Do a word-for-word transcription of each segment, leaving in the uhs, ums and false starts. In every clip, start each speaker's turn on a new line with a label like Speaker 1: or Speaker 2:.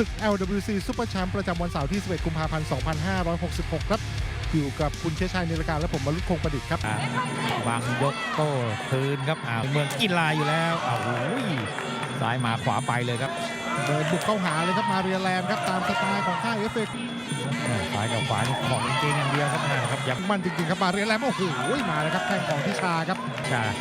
Speaker 1: ศึก แอล ดับเบิลยู ซี Super Champ ประจำวันเสาร์ที่ สิบเอ็ด กุมภาพันธ์ สองพันห้าร้อยหกสิบหก ครับอยู่กับคุณเชษชัย นิรการและผมวรุษ คงประดิษฐ์ครับ
Speaker 2: วางยกโต้คืนครับอ่าเมืองกีฬาอยู่แล้วอ้าวโอ้ยซ้ายมาขวาไปเลยครับ
Speaker 1: เดินบุกเข้าหาเลยครับมาเรียแลนด์ครับตามสไตล์ของค่ายเอฟเอ
Speaker 2: ซ้ายกับขวานี่ของจริงอย่างเดียวครับนะครับยับ
Speaker 1: มันจริงๆครับมาเรียแลนด์โอ้โหมาเลยครับแข้งของทิชาครับ
Speaker 2: ชา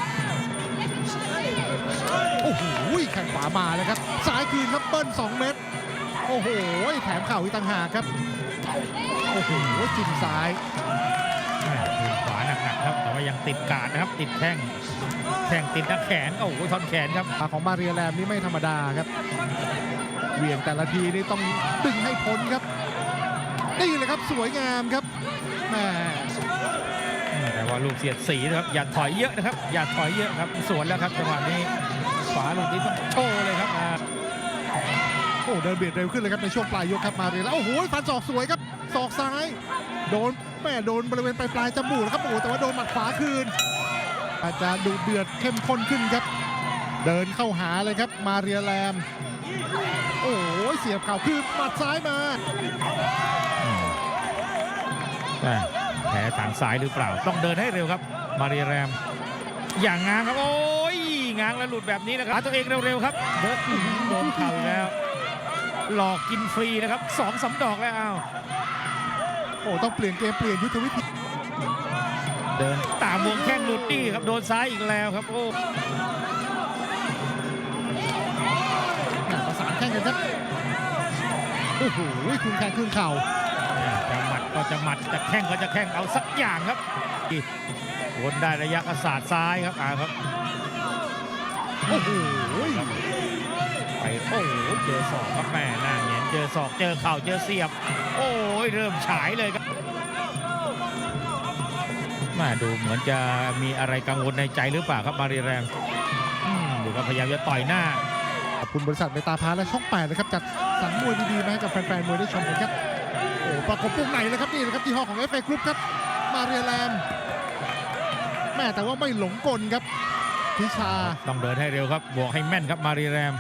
Speaker 1: โอ้โหแข้งขวามาเลยครับซ้ายคืนครับเบิ้ลสองเม็ดโอ้โหแถมเข่าอีกต่างหากครับโอ้โหจิ้มซ้าย
Speaker 2: คืนขวาหนักๆครับแต่ว่ายังติดกาดนะครับติดแข้งแข้งติดหน้าแขนโอ้โหท่อนแขนครับ
Speaker 1: ของมาเรียแลนด์นี่ไม่ธรรมดาครับเหวี่ยงแต่ละทีนี่ต้องดึงให้พ้นครับนี่เลยครับสวยงามครับแหม
Speaker 2: แต่ว่าลูกเสียดสีนะครับอย่าถอยเยอะนะครับอย่าถอยเยอะครับสวนแล้วครับจังหวะนี้ขวาลูกนี้ต้องโชว์เลยครับ
Speaker 1: โอ้เดินเบียดเร็วขึ้นเลยครับในช่วงปลายยกครับมาเรียแล้วโอ้โหฟันศอกสวยครับศอกซ้ายโดนแม่โดนบริเวณปลายปลายจมูกนะครับโอ้แต่ว่าโดนหมัดขวาคืนอาจจะดูเดือดเข้มข้นขึ้นครับเดินเข้าหาเลยครับมาเรียแลนด์โอ้โหเสียบเข่าคืนหมัดซ้ายมา
Speaker 2: แผลทางซ้ายหรือเปล่าต้องเดินให้เร็วครับมาเรียแรมอย่างง้างครับโอ้ยง้างแล้วหลุดแบบนี้นะครับหาตัวเองเร็วๆครับเดินโดนเข่าแล้วหลอกกินฟรีนะครับสองสามดอกแล้วอ้าว
Speaker 1: โอ้ต้องเปลี่ยนเกมเปลี่ยนยุทธวิธี
Speaker 2: เดินตามวงแข้งหลุดนี่ครับโดนซ้ายอีกแล้วครับโอ้
Speaker 1: ประสานแข้งกันครับโอ้โหคืนแข้งคืนเข่า
Speaker 2: จะหมัดก็จะหมัดจะแข้งก็จะแข้งเอาสักอย่างครับวนได้ระยะกระสาดซ้ายครับอ่าครับ
Speaker 1: โอ้โห
Speaker 2: ไปโอ้โหเจอศอกครับแม่หน้าเงี้ยเจอศอกเจอเข่าเจอเสียบโอ้ยเริ่มฉายเลยครับมาดูเหมือนจะมีอะไรกังวลในใจหรือเปล่าครับมารีแรมดูก็พยายามจะต่อยหน้า
Speaker 1: ขอบคุณบริษัทเมตาพาและช่องแปดนะครับจัดสรรมวยดีๆมาให้กับแฟนๆมวยได้ชมกันครับโอ้ประกบวงในเลยครับนี่นะครับที่ห้อของ เอฟ เอ Group ครับมาเรียแลนด์แม่แต่ว่าไม่หลงกลครับทิชา
Speaker 2: ต้องเดินให้เร็วครับบวกให้แม่นครับมาเรียแลนด์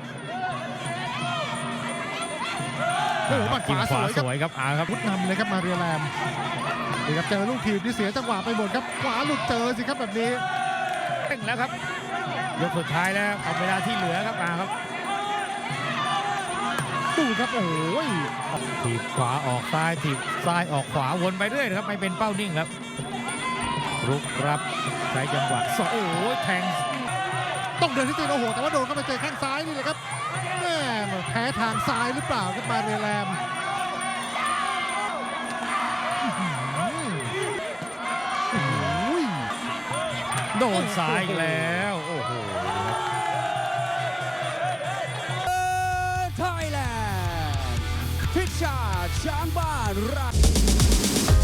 Speaker 1: โอ้หมัดขวาส
Speaker 2: วยครับอาครับ
Speaker 1: พุทนำเลยครับมาเรียแลนด์นี่ครับเจอลูกทีมที่เสียจังหวะไปหมดครับขวาหลุดเจอสิครับแบบนี้
Speaker 2: เร่งแล้วครับยกสุดท้ายแล้วเอาเวลาที่เหลือครับอาครับ
Speaker 1: ดูครับโอ้ย
Speaker 2: ถีบขวาออกซ้ายถีบซ้ายออกขวาวนไปเรื่อยนะครับไม่เป็นเป้านิ่งครับรุกรับใช้จังหวะสองโอ้ยแทง
Speaker 1: ต้องเดินที่ตีนโอ้โหแต่ว่าโดนเข้าไปเจอแข้งซ้ายนี่เลยครับแม่แพ้ทางซ้ายหรือเปล่าครับมาเรียแลนด์
Speaker 2: โดนซ้ายแล้วโอ้โห
Speaker 3: ไทยแลนด์พิชชาช้างบ้านรัก